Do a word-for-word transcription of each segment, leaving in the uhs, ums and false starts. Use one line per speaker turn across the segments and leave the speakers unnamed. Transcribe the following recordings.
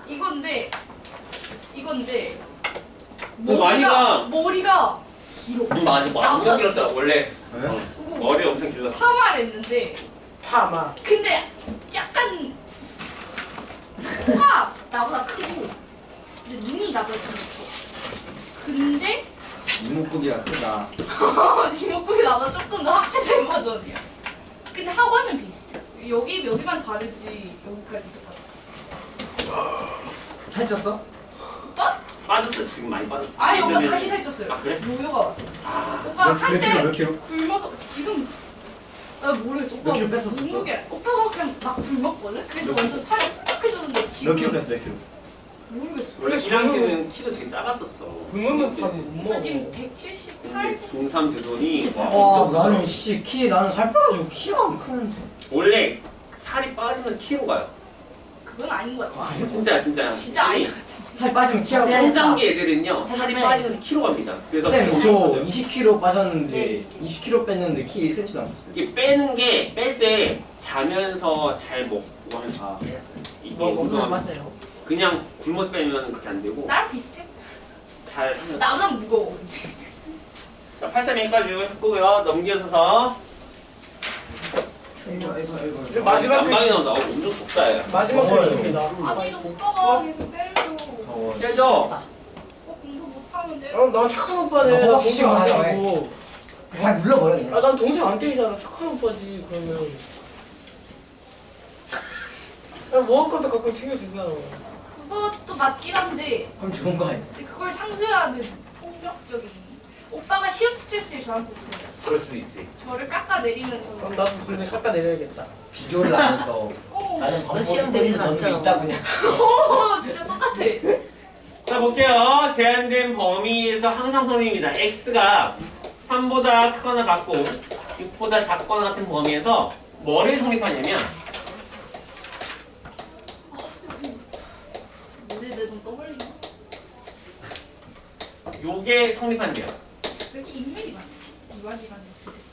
이건데 이건데
머리가
머리가 길어.
응, 맞아. 뭐 엄청 길었어. 원래 어, 머리 엄청 길었어.
파마를 했는데
파마.
근데 약간 코가 나보다 크고 근데 눈이 나보다 좀 커. 근데
이목구비가 크다.
이목구비 나보다 조금 더 확대된 버전이야. 근데 학원은 비슷해. 여기 여기만 다르지 여기까지 똑같아.
살쪘어?
오빠?
빠졌어. 지금 많이 빠졌어.
아니 오빠
예전에는.
다시 살쪘어요.
아, 그래?
요요가 왔어.
아,
오빠
몇- 몇 킬로,
한때
몇 킬로?
굶어서 지금 아 모르겠어. 오빠
몇 킬로 뺐었어?
몸무게 오빠가 그냥 막 굶었거든. 그래서 완전 살이 뾰족해졌는데 지금
몇 킬로 뺐어, 몇 킬로?
모르겠어.
원래 일 학년은 키도 되게 작았었어.
굶으면 밥못 먹어.
오빠 지금 백칠십팔.
근데 중삼 되더니 와,
와,
엄청
나는
크더라고.
씨, 키, 나는 살 빼가지고 키가 안 크는데.
원래 살이 빠지면 키로 가요.
그건 아닌 것 같아.
아니,
진짜야, 진짜야.
진짜 아닌 것 같아.
살 빠지면 키가
한
크다.
단계 애들은요 살이 빠지면서 키로 갑니다. 그래서
쌤, 저 이십 킬로 빠졌는데, 이십 킬로 뺐는데 키 일 센티미터 남았어요.
이게 빼는 게 뺄 때 자면서 잘 먹고 하면 다 빼야 이게
뭐 먹으면
운동하면
맞아요.
그냥 굶어서 빼면 그렇게 안 되고
나랑 비슷해.
잘 하면.
나보다 무거워.
자, 팔삼일까지 했고요. 넘겨서서
아이고, 아이고, 아이고.
이제 마지막
난방이
글씨.
나온다. 어, 엄청 덥다 야.
마지막
더워요.
글씨입니다.
아니 너 오빠가 계속 때려줘.
더워.
셔
어, 공부 못하면 돼.
어, 난 착한 오빠네.
너
나
혹시
동생 안
맞아,
때리고.
살 눌러버려, 그냥.
아, 난 동생 안 때리잖아. 착한 오빠지, 그러면. 야, 먹을 것도 가끔 챙겨주잖아.
그것도 맞긴 한데
그럼 좋은 거 아니야?
근데 그걸 상쇄하는 폭력적인. 오빠가 시험 스트레스를 저한테 줘요.
그럴 수도 있지.
저를 깎아내리면서.
그럼 나도 동생 깎아내려야겠다.
비교를 하면서
어,
나는
너 시험
방법이
때리진
너도
않잖아.
있다, 그냥.
어, 진짜 똑같아.
자, 볼게요. 제한된 범위에서 항상 성립입니다. x가 삼보다 크거나 같고 육보다 작거나 같은 범위에서 뭐를 성립하냐면
뭐지 내눈 떠벌리나?
요게 성립한대요.
왜 이렇게 인맥이 많지? 이완이라는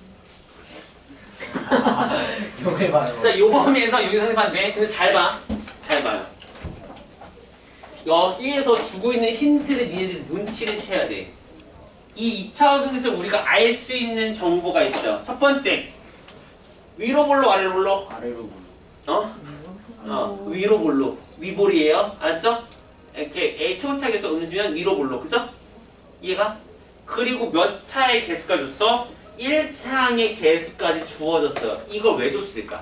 진짜.
아, 요거 봐요.
자, 요 범위에서 여기 성립하는데 근데 잘 봐. 잘 봐요. 여기에서 주고 있는 힌트를 니네들이 눈치를 채야 돼. 이 이 차 공식에서 우리가 알 수 있는 정보가 있어요. 첫 번째, 위로 볼로 아래로 볼로?
아래로
어? 어, 위로 볼로. 위볼이에요. 알았죠? 이렇게 A 최고차계에서 음수면 위로 볼로. 그죠? 이해가? 그리고 몇 차의 개수가 줬어? 일 차항의 개수까지 주어졌어요. 이걸 왜 줬을까?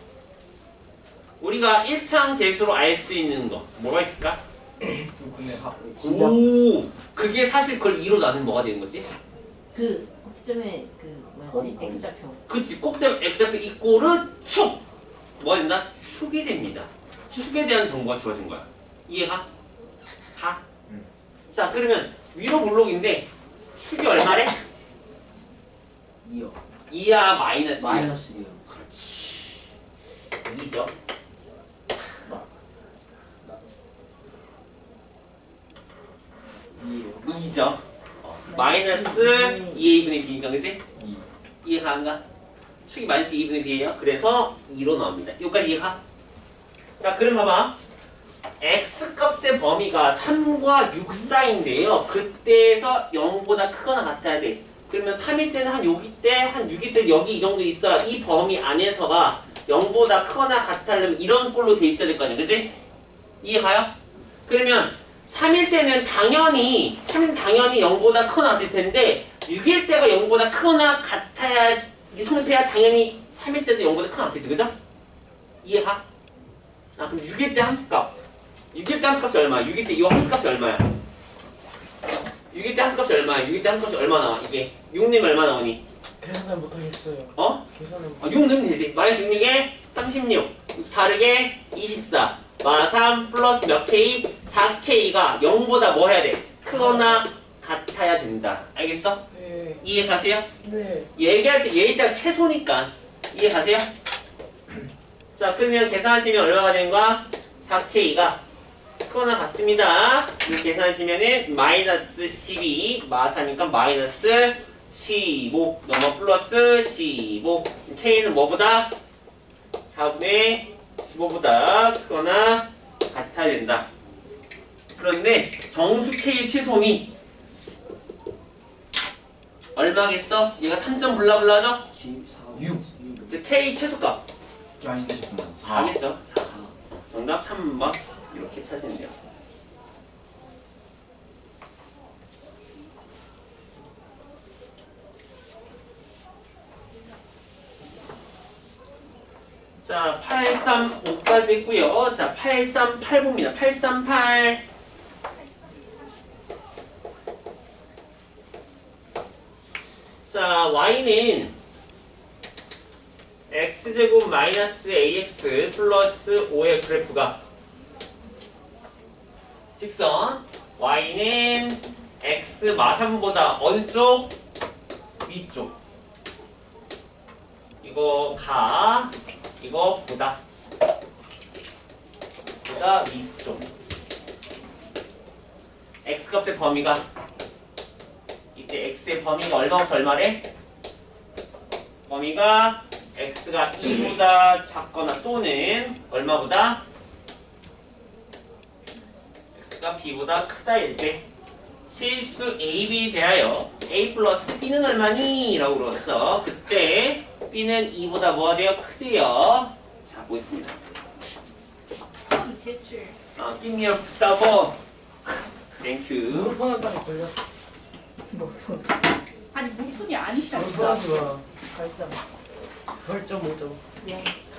우리가 일 차항 개수로 알 수 있는 거 뭐가 있을까?
두 분의 합.
오, 그게 사실 그걸 이로 나누면 뭐가 되는 거지?
그 꼭지점에 그 뭐였지?
범-
X좌표.
그치, 꼭지점 x좌표 이꼬르 축! 뭐가 된다? 축이 됩니다. 축에 대한 정보가 주어진 거야. 이해가? 가?
응.
자, 그러면 위로 볼록인데 축이 얼마래?
이요.
이야 마이너스 이야.
마이너스 이요.
그렇지. 이죠.
이요.
이죠. 어, 마이너스 이분의 b니까 그치?
이.
이해가 안 가? 축이 마이너스 이분의 b예요. 그래서 이로 나옵니다. 여기까지 이해가? 자, 그럼 봐봐. x값의 범위가 삼과 육 사이인데요. 그때에서 영보다 크거나 같아야 돼. 그러면 삼일 때는 한 여기 때, 한 육일 때 여기 이 정도 있어야 이 범위 안에서가 영보다 크거나 같으려면 이런 꼴로 돼 있어야 될 거 아니야. 그치? 이해가요? 그러면 삼일 때는 당연히, 삼은 당연히 영보다 크거나 같을 텐데 육일 때가 영보다 크거나 같아야, 이게 성립해야 당연히 삼일 때도 영보다 크거나 같겠지. 그죠? 이해가? 아, 그럼 육일 때 함수값. 육일 때 함수값이 얼마야? 육일 때 이 함수값이 얼마야? 육일 때 함수값이 얼마야? 육일 때 함수값이 얼마 나와? 이게 육 넣으면 얼마 나오니?
계산을 못하겠어요.
어?
계산을 못
아, 육 넣으면 되지. 마이너스 육에 삼십육, 사르게 이십사, 마 삼 플러스 몇 K? 사 K가 영보다 뭐 해야 돼? 크거나 같아야 된다. 알겠어?
네.
이해 가세요?
네.
얘기할 때 얘 일단 최소니까 이해 가세요? 자, 그러면 계산하시면 얼마가 되는 거야? 사 K가 크거나 같습니다. 이렇게 계산하시면은 마이너스 십이 마사니까 마이너스 십오 넘어 플러스 십오 K는 뭐보다? 사분의 십오보다 크거나 같아야 된다. 그런데 정수 K의 최소음이 얼마겠어? 얘가 삼 점 블라블라죠?
육.
즉 K 최소값
이 아닌데 잠깐만.
사겠죠? 사. 정답 삼 번 이렇게 찾으면 돼요. 자, 팔백삼십오까지 했고요. 자, 팔백삼십팔 봅니다. 팔백삼십팔. 자, y는 x제곱 마이너스 ax 플러스 오의 그래프가 직선 y는 x 마삼보다 어느 쪽? 위쪽. 이거 가 이거 보다 보다 위쪽. x값의 범위가 이때 x의 범위가 얼마부터 얼마래? 범위가 x가 이보다 작거나 또는 얼마보다? x가 b보다 크다일 때 실수 에이비에 대하여 a 플러스 b는 얼마니? 라고 물었어. 그때 b는 이보다 뭐가 돼요? 크대요. 자, 보겠습니다.
아, 대출.
아, give me a server. Thank you.
물폰한까지 걸렸어.
아니 물품이 아니시라고.
물폰하지 마. 팔 점. 팔 점 오 점.
네.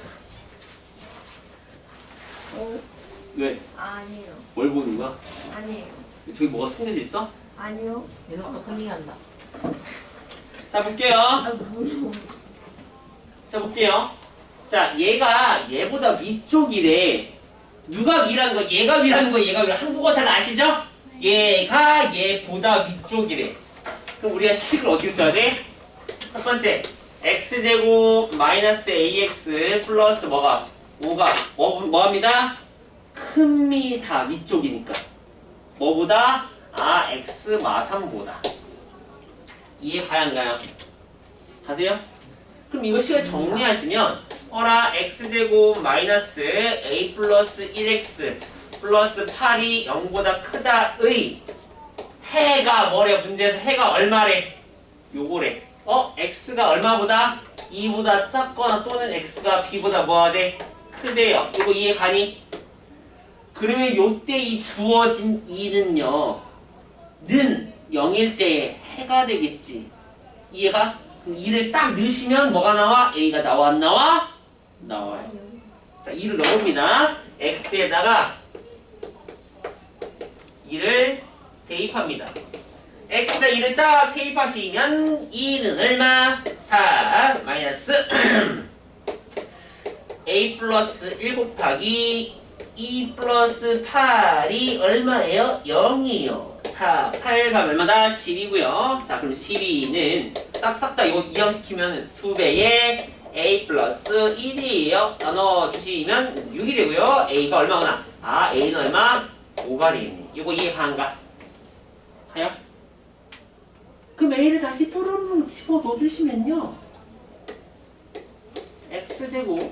왜?
아니요.
뭘 보는 거야?
아니에요.
저기 뭐가 숨겨져 있어?
아니요. 내놓고 컨닝한다.
자, 볼게요.
아, 뭐.
자, 볼게요. 자, 얘가 얘보다 위쪽이래. 누가 위라는 거야? 얘가 위라는 거야? 얘가 위라? 한국어 잘 아시죠? 얘가 얘보다 위쪽이래. 그럼 우리가 식을 어떻게 써야 돼? 첫 번째, x제곱 마이너스 ax 플러스 뭐가? 오가 뭐, 뭐합니다? 큽니다. 위쪽이니까. 뭐보다? 아, x 마삼보다. 이해 가요, 안 가요? 가세요? 그럼 이거 식을 정리하시면 어라 x제곱 마이너스 a 플러스 일 엑스 플러스 팔이 영보다 크다의 해가 뭐래? 문제에서 해가 얼마래? 요거래. 어? x가 얼마보다? 이보다 작거나 또는 x가 b보다 뭐가 돼? 크대요. 이거 이해 가니? 그러면 요때 이 주어진 이는요 는 영일 때 해가 되겠지. 이해가? 그럼 이를 딱 넣으시면 뭐가 나와? a가 나와 안 나와? 나와요. 자, 이를 넣습니다. x에다가 이를 대입합니다. x에다 이를 딱 대입하시면 이는 얼마? 사 마이너스 a 플러스 일 곱하기 이 플러스 팔이 얼마예요? 영이에요. 사, 팔 가면 얼마다? 십이고요. 자, 그럼 십이는 딱 싹 다 이거 이항시키면 두 배의 a 플러스 일이에요. 나눠주시면 육이 되고요. a가 얼마구나? 아, a는 얼마? 오가 되겠네. 이거 이해 가는가? 가요? 그럼 a를 다시 뽀로롱 집어 넣어주시면요. x제곱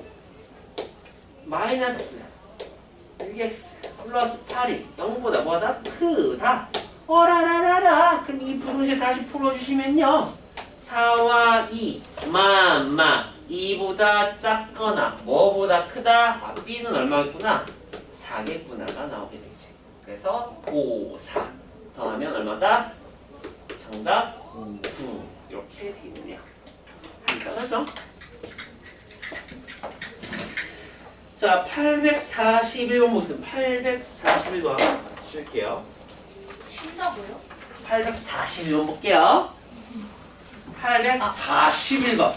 마이너스 육 엑스 플러스 팔이 영보다 뭐다? 크다. 어라라라라. 그럼 이 부분을 다시 풀어주시면요. 사와 이, 마마 이보다 작거나 뭐보다 크다? 아, b는 얼마겠구나? 사겠구나가 나오게 되지. 그래서 오, 사 더하면 얼마다? 정답 구 이렇게 되겠네요. 간단하죠? 자, 팔백사십일 번 보겠습니다. 팔백사십일 번 쓸게요.
쉰다고요?
팔백사십일 번 볼게요. 팔백사십일 번.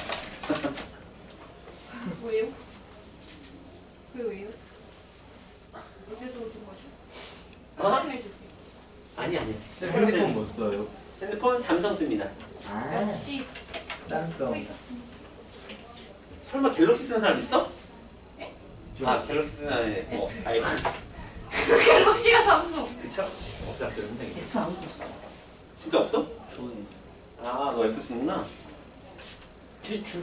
왜요? 그게 왜요? 어디서 오신 거죠?
어?
설명해 주세요.
아니 아니.
쌤 핸드폰 뭐 써요?
핸드폰 삼성 씁니다.
아,
역시
쌈성.
보고 있었습니다.
설마 갤럭시 쓰는 사람 있어?
네?
아, 갤럭시 쓰는 사람이 뭐 아이폰.
갤럭시가 삼성.
그쵸? 없다 그러는데 이게.
F 아무도 없어.
진짜 없어?
좋은.
아, 너 F 쓰는구나.
대출.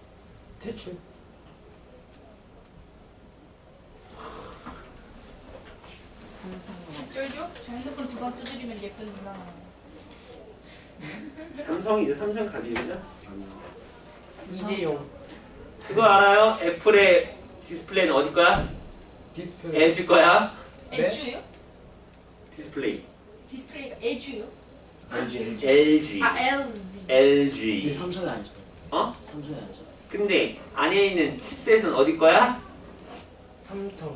대출.
삼성은
쫄죠? 저 핸드폰 두 번 두드리면 예쁜 누나.
삼성이죠. 삼성 가디죠.
이재용
그거 알아요? 애플의 디스플레이는 어디 거야?
디스플레이
에지 거야?
네?
에듀요?
디스플레이.
디스플레이가 에듀요?
엘지 엘지.
엘지.
아 엘지.
근데
엘지.
삼성이 아니잖아.
어?
삼성이 아니잖아.
근데 안에 있는 칩셋은 어디 거야?
삼성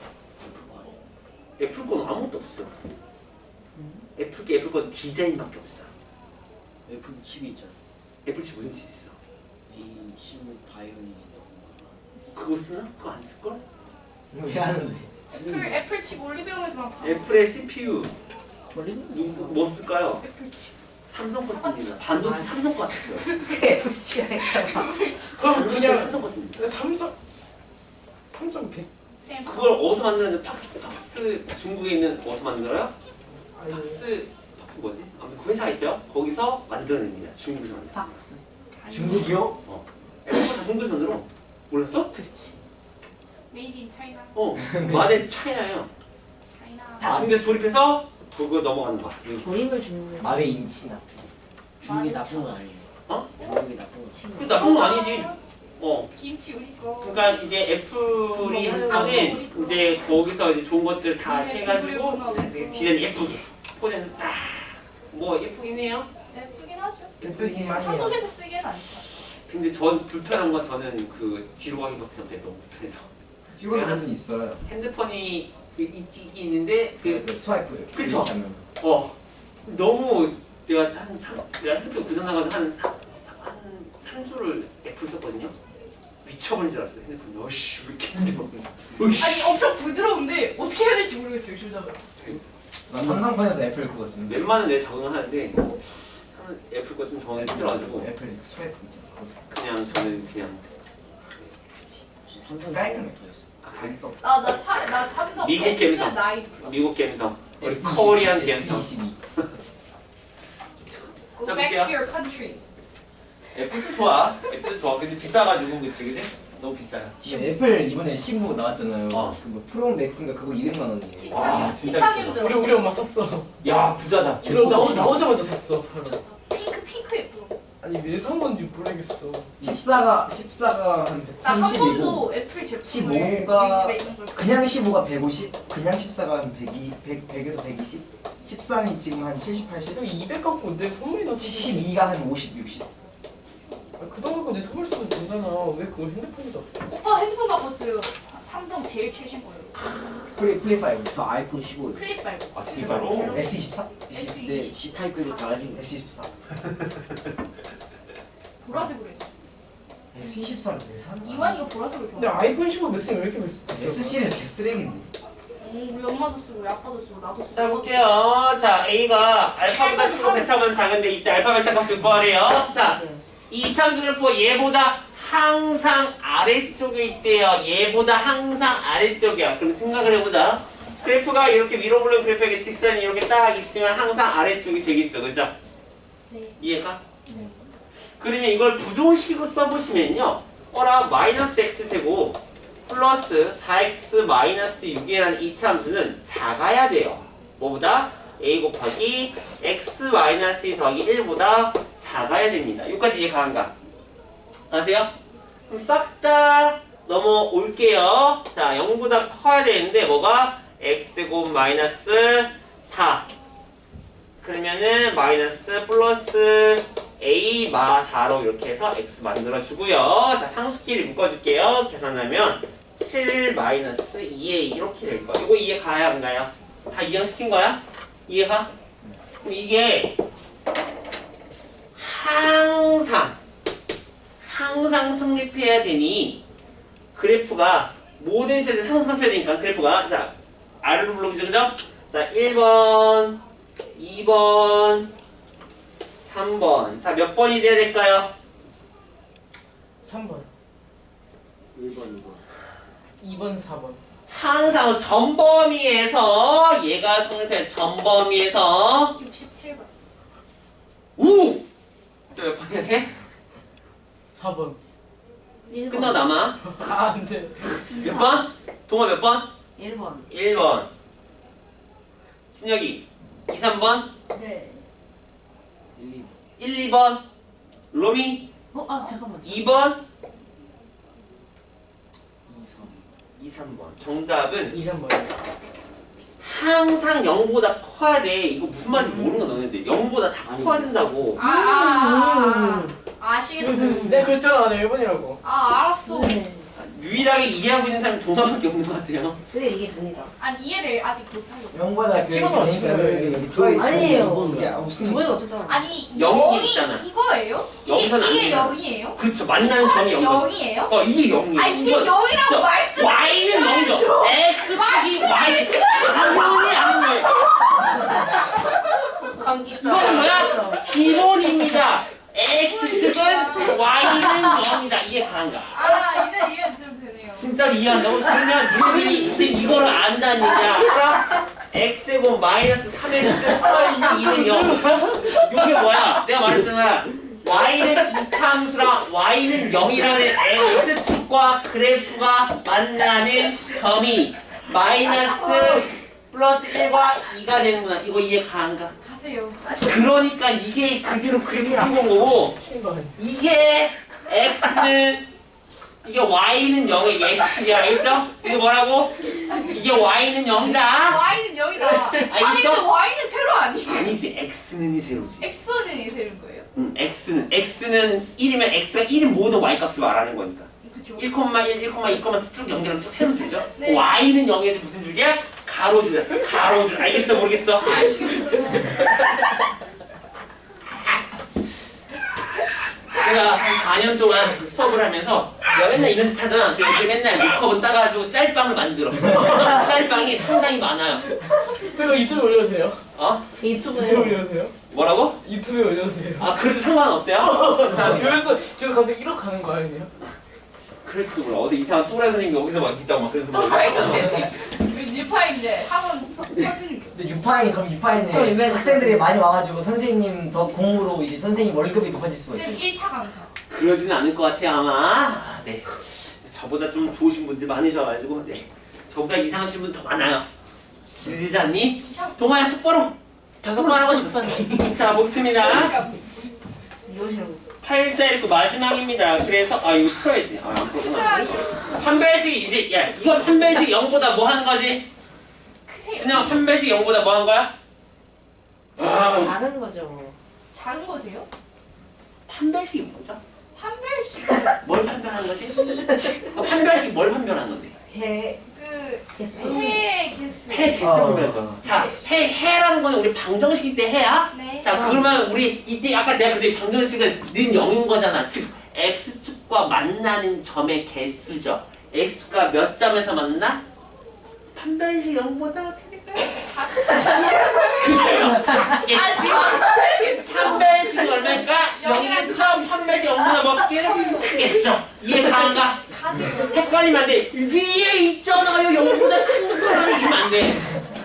애플 거는 아무것도 없어. 애플 게 애플 건 디자인밖에 없어.
애플 칩이 있잖아.
애플 칩 무슨 칩 있어?
에이 십오 바이오닉이
그거 쓰나? 그거 안 쓸 걸?
왜 하는데?
애플 애플 칩 올리브영에서만 파.
애플의 씨피유
걸리는
누구 뭐 쓸까요?
애플 칩.
삼성 거 씁니다. 반도체 삼성 거 같았어요.
그게 불치야잖아.
그럼 그냥
삼성 거 씁니다.
삼성 삼성 백
샘.
그걸 어디서 만드는데 팍스 팍스 중국에 있는 어디서 만들어요?
아니
팍스 팍스 뭐지? 아무튼 그 회사가 있어요. 거기서 만들어냅니다. 중국에서 만들.
박스.
중국이요?
애플 다 중국에서 만들어. 몰랐어?
그렇지.
메이드 인 차이나.
어. 마덴 차이나요.
차이나.
다 중국에 조립해서 그거 넘어가는 거야.
조립을 주는 거.
말의 인치나.
중국이 나쁜 건 아니에요.
어?
중국이 나쁜 건
친구.
그 나쁜 건 아니지. 어.
김치 우리 거.
그러니까 이제 애플이 하는 거는 이제 거기서 이제 좋은 것들 다 해가지고 디자인 예쁘게 포장해서 딱뭐 예쁘긴 해요.
예쁘긴 하죠.
예쁘긴 하네요.
한국에서 쓰기에는 안 좋아.
근데 전 불편한 건 저는 그 뒤로 가기 버튼 때문에 너무 불편해서
뒤로 버튼 있어요.
핸드폰이 그 있긴 있는데 그
그 스와이프 이렇게.
그쵸?
하면.
어 너무 내가 한 삼, 내가 핸드폰 고장 나가지고 한 삼, 한 삼 주를 애플 썼거든요. 미쳐버린 줄 알았어요. 핸드폰 어씨 왜 이렇게 힘들어. 으이씨.
아니 엄청 부드러운데 어떻게 해야 될지 모르겠어요 조작을.
난 삼성폰에서 애플 그거 쓰는데.
웬만하면 내가 적응하는데 한 애플 거 좀 적응이 힘들어가지고
애플 스와이프 있잖아. 그거 쓰.
그냥 저는 그냥
삼성이
깔끔해.
더 있어.
아, 그래?
나나나 삼성
미국
S
갬성.
나인 플러스.
미국 갬성 우리
에스 이십이,
코리안
에스
갬성
이십이.
Go
자,
back
볼게요.
to your country.
애플도 좋아 애플도 좋아 근데 비싸가지고 그치 그치? 너무 비싸요
근데 애플 이번에 신부 나왔잖아요.
어.
그뭐 프로 맥스인가 그거 이백만 원이에요.
와,
티타늄.
진짜
티타늄
비싸다.
우리
들어.
우리 엄마 샀어.
야 부자다
그럼 나오 나오자마자 샀어. 바로.
핑크 핑크 예뻐.
아니 왜 산 건지 모르겠어.
십사가 십사가 한
나 한
백삼십이고
번도 애플 제품을
십오가
우리 집에 있는 걸
그냥 십오가 백오십, 그냥 십사가 한 백이, 백, 백에서 백이십, 십삼이 지금 한 칠십, 팔십,
형 이백 갖고 내 선물이 나서.
십이가 한 오십, 육십.
아, 그돈 갖고 내 선물 써도 되잖아. 왜 그걸 핸드폰에다?
오빠 핸드폰 바꿨어요. 사- 삼성 제일 최신 거예요.
플레이 플레이 파이브,
저 아이폰 십오.
플립 말고.
아, 진짜로?
에스 이십사,
근데 C 타입급이 달라진 거.
에스 이십사,
보라색으로 했어.
에스 이십사를 왜 사는 거야?
이완이가 보라색을
근데
좋아해.
아이폰 십오 맥스는 왜 이렇게 비싸?
S 시리즈 개쓰레기인데.
응, 우리 엄마도 쓰고 우리 아빠도 쓰고 나도 쓰고.
자 볼게요 자 A가 알파보다 크고 베타보다 작은데 이때 알파 베타 값을 구하래요 자 이 참수 그래프가 얘보다 항상 아래쪽에 있대요 얘보다 항상 아래쪽이야 그럼 생각을 해보자 그래프가 이렇게 위로 보는 그래프에게 직선이 이렇게 딱 있으면 항상 아래쪽이 되겠죠 그죠?
네.
이해가? 그러면 이걸 부동식으로 써보시면요 어라 마이너스 x제곱 플러스 사 엑스 마이너스 육이라는 이차 함수는 작아야 돼요 뭐보다? a 곱하기 x 마이너스 이 더하기 일보다 작아야 됩니다 여기까지 이해 가는가? 아세요? 그럼 싹 다 넘어올게요 자 영보다 커야 되는데 뭐가? x곱 마이너스 사 그러면은 마이너스 플러스 a 마 사로 이렇게 해서 x 만들어주고요 자 상수끼리 묶어줄게요 계산하면 칠 마이너스 이 에이 이렇게 될 거야 이거 이해 가야 안 가요? 다 이해시킨 거야? 이해가? 그럼 이게 항상 항상 성립해야 되니 그래프가 모든 시대에 항상 성립해야 되니까 그래프가 자 아래로 불러보죠 그죠? 자 일 번 이 번 삼 번 자 몇 번이 돼야 될까요?
삼 번,
일 번, 이 번.
이 번, 사 번.
항상 전범위에서 얘가 성립해 전범위에서
육십칠 번.
우! 또몇 번이야 돼?
사 번.
일 번.
끝나 남아
아, 안 돼.
몇 번? 동아 몇 번?
일 번.
일 번 진혁이 이, 삼 번,
네.
일, 이.
일, 이 번, 로미
어, 아 잠깐만.
이 번,
이, 삼.
이, 삼 번. 정답은
이, 삼 번이요.
항상 영보다 커야 돼. 이거 무슨 말인지 모르는 거 너네들. 영보다 다 커야 된다고.
아, 아, 아, 아. 아시겠어요.
네, 그랬잖아. 나 일 번이라고.
아, 알았어.
네.
유일하게 이해하고 있는 사람이 동아밖에 없는 것 같아요.
근데 이게 됩니다.
아니, 이해를 아직 못하고 있어.
영보다 그
찍어서 맞추는 거예요.
아니에요.
야 무슨
이번에 어쩌잖아.
아니,
영이
영이
있잖아.
이거예요? 이게,
여기서는 안
이게
되잖아.
영이에요?
그렇죠. 만나는 점이 영.
영이에요?
어 이게 영이에요.
아, 이게
이건
영이라고
저
말씀.
Y는 영이죠. X 축이 Y 당연히 아는 거예요.
감기
이거는 뭐야? 기본입니다. X축은 Y는 영이다. 이게 가능가?
아, 이제 이해 좀 되네요.
진짜 이해한다고? 그러면 니들이 이제 이거를 안다니까. 알아? X제곱 마이너스 삼 X 플러스 이는 영. 이게 뭐야? 내가 말했잖아. Y는 이차함수랑 Y는 영이라는 X축과 그래프가 만나는 점이 마이너스 플러스 일과 이가 되는구나. 이거 이해 가안가?
가세요.
그러니까 이게 그대로 그렇게 한 거고 이게 X는 이게 Y는 영이야. 이게 X축이야. 알겠죠? 이게 뭐라고? 이게 Y는 영이다.
Y는 영이다. 아니, 근데
알겠어?
Y는 세로 아니에요?
아니지. X는 이 세로지.
X는 이 세로인 거예요?
응, X는 X는 일이면 X가 일인 모든 Y 값을 말하는 거니까.
그쵸.
일, 일, 일, 쭉 연결하면 쭉 세로줄죠?
네.
Y는 영이지 무슨 줄이야? 가로줄이야. 가로줄. 알겠어? 모르겠어?
아시겠어요?
제가 한 사 년 동안 수업을 하면서 내가 맨날 이런 짓 하잖아. 그래서 이렇게 맨날 목컵은 따가지고 짤방을 만들어. 짤방이 상당히 많아요.
제가 유튜브에 올려주세요.
어?
유튜브에
유튜브예요.
올려주세요.
뭐라고?
유튜브에 올려주세요.
아 그래도 상관없어요? 감사합니다.
교회에서 저도 가서 일억 가는 거 아니에요?
그럴지도 몰라. 어디 이상한 또라이 선생님이 여기서 막 있다고 막 그래서
또라이 선생님. 뉴파인데 학원 서- 터지는 게.
근데 유파인 그럼
저
유파인에
유명해졌어요.
학생들이 많이 와가지고 선생님 더 공으로 이제 선생님 월급이 높아질 수가 있어.
쌤 일 타 강사.
그러지는 않을 것 같아요 아마. 아, 네. 저보다 좀 좋으신 분들 많으셔가지고 네. 저보다 이상하신 분 더 많아요. 기대되지 않니?
이상.
동아야 똑바로.
저것만 하고 싶었는데.
자 보겠습니다.
그러니까
이러시라고.
팔 사 일 구 마지막입니다. 그래서 아 이거 풀어야지. 아안 풀었구나. 판별식이 이제 야 이거 판별식 영보다 뭐 하는 거지?
크세요.
준영 판별식 영보다 뭐 하는 거야? 아,
작은 거죠.
작은 거세요?
판별식이 뭐죠?
판별식은
뭘 판별하는 거지? 아, 판별식 뭘 판별하는 건데?
해
그
개수.
해 개수.
해 개수
어.
판별이죠. 자, 해 해라는 거는 우리 방정식일 때 해야.
네.
자, 그러면 우리 이때 아까 내가 그때 방정식은 는 영인 거잖아. 즉 x축과 만나는 점의 개수죠. x가 몇 점에서 만나? 판별식 영보다 어떻게 될까요? 그래요. 작겠지.
아, 잘겠죠.
판별식이 얼마니까? 영이는 점 판별식 영보다 먹게 크겠죠. 이해 가는가?
가세요.
헷갈리면 안 돼. 위에 있잖아요. 영보다 큰 거는 이러면 안 돼.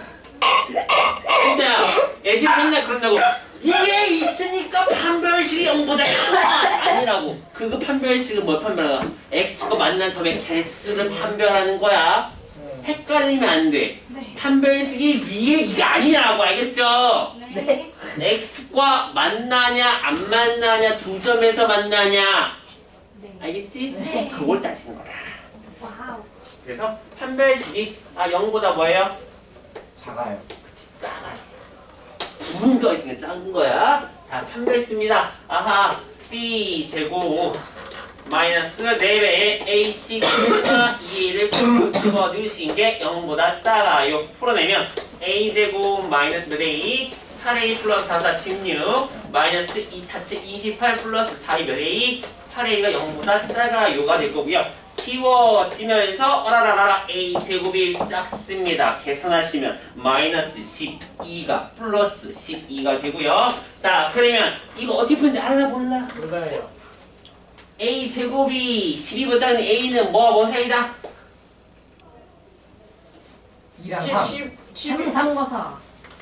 진짜야. 애들이 맨날 그런다고. 위에 있으니까 판별식이 영보다 크다. 아니라고. 그거 판별식은 뭘 판별하나? x가 만난 점의 개수를 판별하는 거야. 헷갈리면 안 돼.
네.
판별식이 위에 이게 아니라고. 알겠죠?
네.
x축과 만나냐 안 만나냐 두 점에서 만나냐.
네.
알겠지?
네.
그걸 따지는 거다.
와우.
그래서 판별식이 아 영보다 뭐예요?
작아요.
작아요. 부분 더 있으니까 작은 거야. 자 판별했습니다. 아하 b 제곱 마이너스 네 배의 ac 이를 집어 넣으신 게 영보다 작아요. 풀어내면 a 제곱 마이너스 몇 a 팔 a 플러스 사, 사, 십육 마이너스 이 차체 이십팔 플러스 사, 이 몇 a 팔 a가 영보다 작아요가 될 거고요. 치워지면서 어라라라 a 제곱이 작습니다. 계산하시면 마이너스 십이가 플러스 십이가 되고요. 자 그러면 이거 어떻게 푸는지 알아 몰라?
몰라요.
a 제곱이 십이보다 작은 a는 뭐와 뭐 사이다?
이랑 삼.
십,
삼과 사.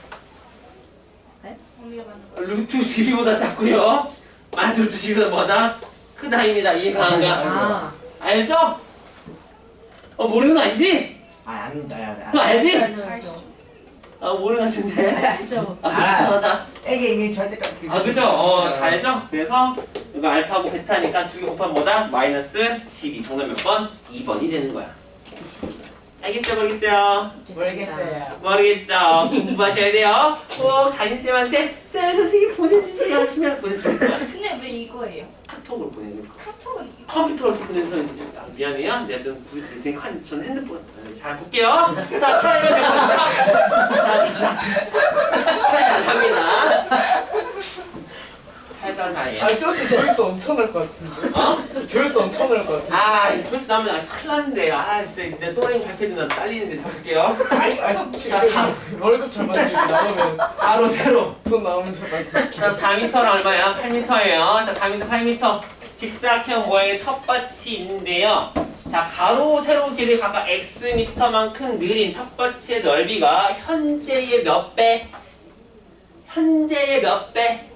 언니가 맞는 거.
루트 십이보다 작고요. 마이너스 루트 십이보다 뭐다? 크다입니다. 이해가 안 가?
아.
알죠? 어 모르는 거 아니지?
아, 안, 아, 아,
너 알지?
알죠,
알죠.
알죠.
아 모르는 것 같은데.
알죠.
아 이상하다.
이게 이게 절대값.
아 그죠? 어, 다 알죠? 그래서 이거 알파하고 베타니까 두 개 곱하면 뭐다? 마이너스 십이. 정답 몇 번? 이 번이 되는 거야. 알겠어요? 모르겠어요?
모르겠어요.
모르겠죠? 공부하셔야 돼요. 꼭 담임쌤한테 쌤 선생님 보내주세요 하시면 보내줄 거야.
근데 왜 이거예요?
카톡으로 보내는 거.
카톡은 이거.
컴퓨터로 보내는 선생님. 아, 미안해요. 내가 좀 구입했으니까 전 핸드폰. 아, 잘 볼게요. 자, 팔면 되거든요. 자, 팔사사입니다. 팔사사예요.
아 조회수 조회수 엄청날 것 같은데.
어? 조회수
엄청 날것 같은데.
아, 이 조회수 나오면 아, 큰일 났는데. 아, 진짜 내 또라이 발표도 딸리는데 잡을게요.
아니 아니
자, 다,
월급 절반 주고 나오면
바로 세로.
돈 나오면 절반 주고.
자, 사 미터는 얼마야? 팔 미터예요. 자, 사 미터, 팔 미터. 직사각형 모양의 텃밭이 있는데요. 자, 가로, 세로 길이 각각 X미터만큼 느린 텃밭의 넓이가 현재의 몇 배? 현재의 몇 배?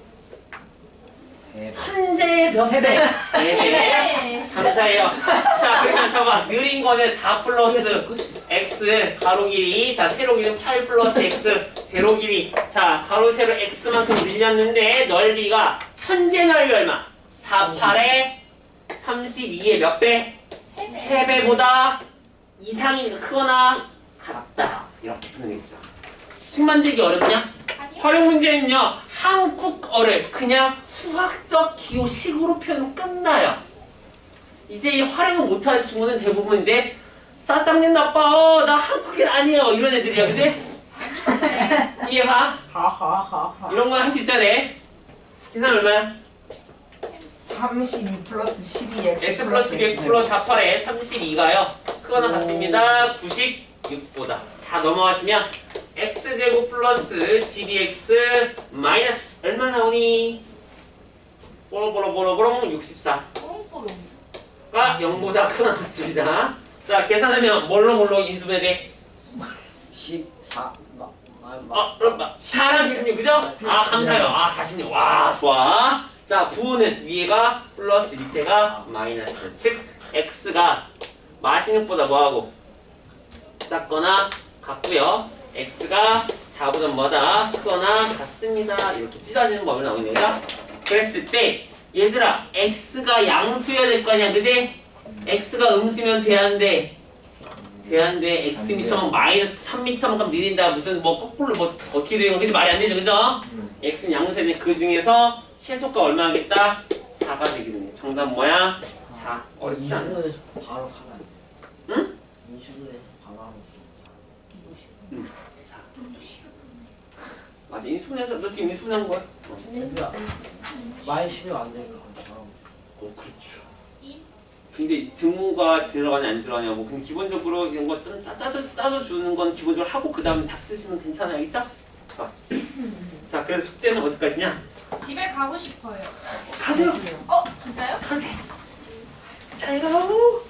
현재의 몇 배? 세 배.
네.
감사해요. 자, 그러면 저봐. 느린 거는 사 플러스 X 가로 길이. 자, 세로 길이는 팔 플러스 X 세로 길이. 자, 가로, 세로 X만큼 늘렸는데 넓이가 현재 넓이 얼마? 사, 팔에 삼십이의 몇 배? 세 배보다 이상이 크거나 같다. 이렇게 표현했죠. 식 만들기 어렵냐?
아니요.
활용 문제는요. 한국어를 그냥 수학적 기호식으로 표현하면 끝나요. 이제 이 활용을 못하는 친구는 대부분 이제 사장님 나빠. 나 한국인 아니에요. 이런 애들이야. 그지? 이해가?
하하하하.
이런 건 할 수 있어야 돼. 계산 얼마야?
삼십이 플러스 십이 x
x 플러스 이 x 플러스 사, 팔에 삼십이가요. 크거나 같습니다. 구십육보다. 다 넘어가시면 x제곱 플러스 십이 x 마이너스 얼마 나오니? 뽀로뽀로뽀로뽀로 육십사가
뽕뽕.
영보다 크거나 같습니다. 자, 계산하면 뭘로 뭘로 인수분해 돼?
십사. 마, 마, 마.
어, 그럼 사십육 그죠? 아, 감사해요. 아, 사십육. 와, 좋아. 자, 구는 위에가 플러스 밑에가 마이너스. 즉, x가 마십육보다 뭐하고? 작거나 같고요. x가 사보다 뭐다? 크거나 같습니다. 이렇게 찢어지는 법이 나오겠네요. 그랬을 때 얘들아, x가 양수여야 될 거 아니야, 그지? x가 음수면 돼야한데 돼야한데 x미터면 마이너스 삼 미터만큼 느린다. 무슨 뭐 거꾸로 뭐 어떻게 되는 거 그지? 말이 안 되죠, 그죠? x는 양수인데 그 중에서 최소가 얼마겠다? 사가 되겠네. 정답 뭐야? 사. 어렵지 않아.
인수분해서 바로 가면 안 돼.
응?
인수분해서 바로 하면 돼.
응. 사. 맞아. 인수분해서 너 지금 인수분해한 거야? 어.
그러니까 많이 쉬면 안 되니까 그렇죠.
어, 그렇죠. 근데 등호가 들어가냐 안 들어가냐고. 근데 기본적으로 이런 거 따- 따져 따져 주는 건 기본적으로 하고 그 다음에 답 쓰시면 괜찮아요, 알겠죠? 자, 자, 그래서 숙제는 어디까지냐?
집에 가고 싶어요.
가세요.
어, 진짜요?
잘 가고.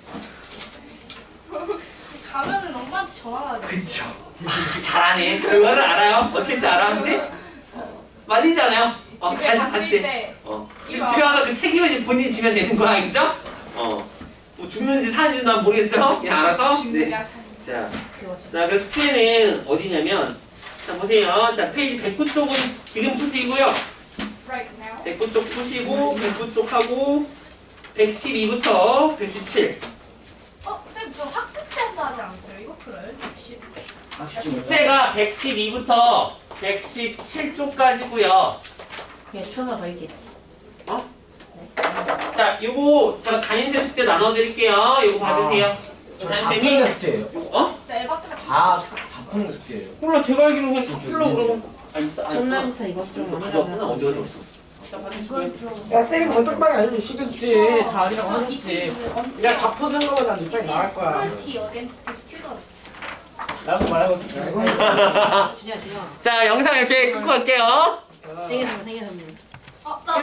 가면은 엄마한테 전화하자.
그쵸. 아, 잘하네. 결과를 알아요. 어떻게 줄 알아, 그지? 말리지 않아요? 어,
집에
갈-
갔을
갈
때.
어. 그
이거
집에 와서 그 책임을 이제 본인이 지면 되는 거야, 알겠죠? 어. 뭐 죽는지 사는지 난 모르겠어요. 그냥 알아서. 네.
죽느냐
자, 자, 그 숙제는 어디냐면, 자, 보세요. 자, 페이지 백구 쪽은 지금 푸시고요.
right now.
백구 쪽 푸시고, 백구 쪽 하고, 백십이부터 백십칠.
어, 쌤, 저 학습 때도 하지 않았어요? 이거 풀어요? 역시.
아 쉽지 못해.
숙제가 백십이부터 백십칠 쪽까지고요.
그냥 추나 더 있겠지.
어? 자, 요거 제가 담임쌤 숙제 나눠드릴게요. 요거 받으세요. 담임쌤이
숙제예요.
어?
진짜 에바스가
다 사푼 숙제예요.
몰라, 제가 알기로는 그냥 다 풀러 그러면 아 있어. 아,
전날부터 이것 좀
이거 가져왔구나. 언제 가져왔어? 자, 받으시고요.
야 쌤이 건떡방이 알려주시겠지. 다 아니라고
저
하겠지.
이스
야 다 푸는 거보다 니
This
빨리
is
나갈 거야.
cruelty against students.
나도 말하고 있어.
준이야 준이야.
자, 영상 이렇게 끊고 갈게요.
생일 선물 생일 선물.
어, 나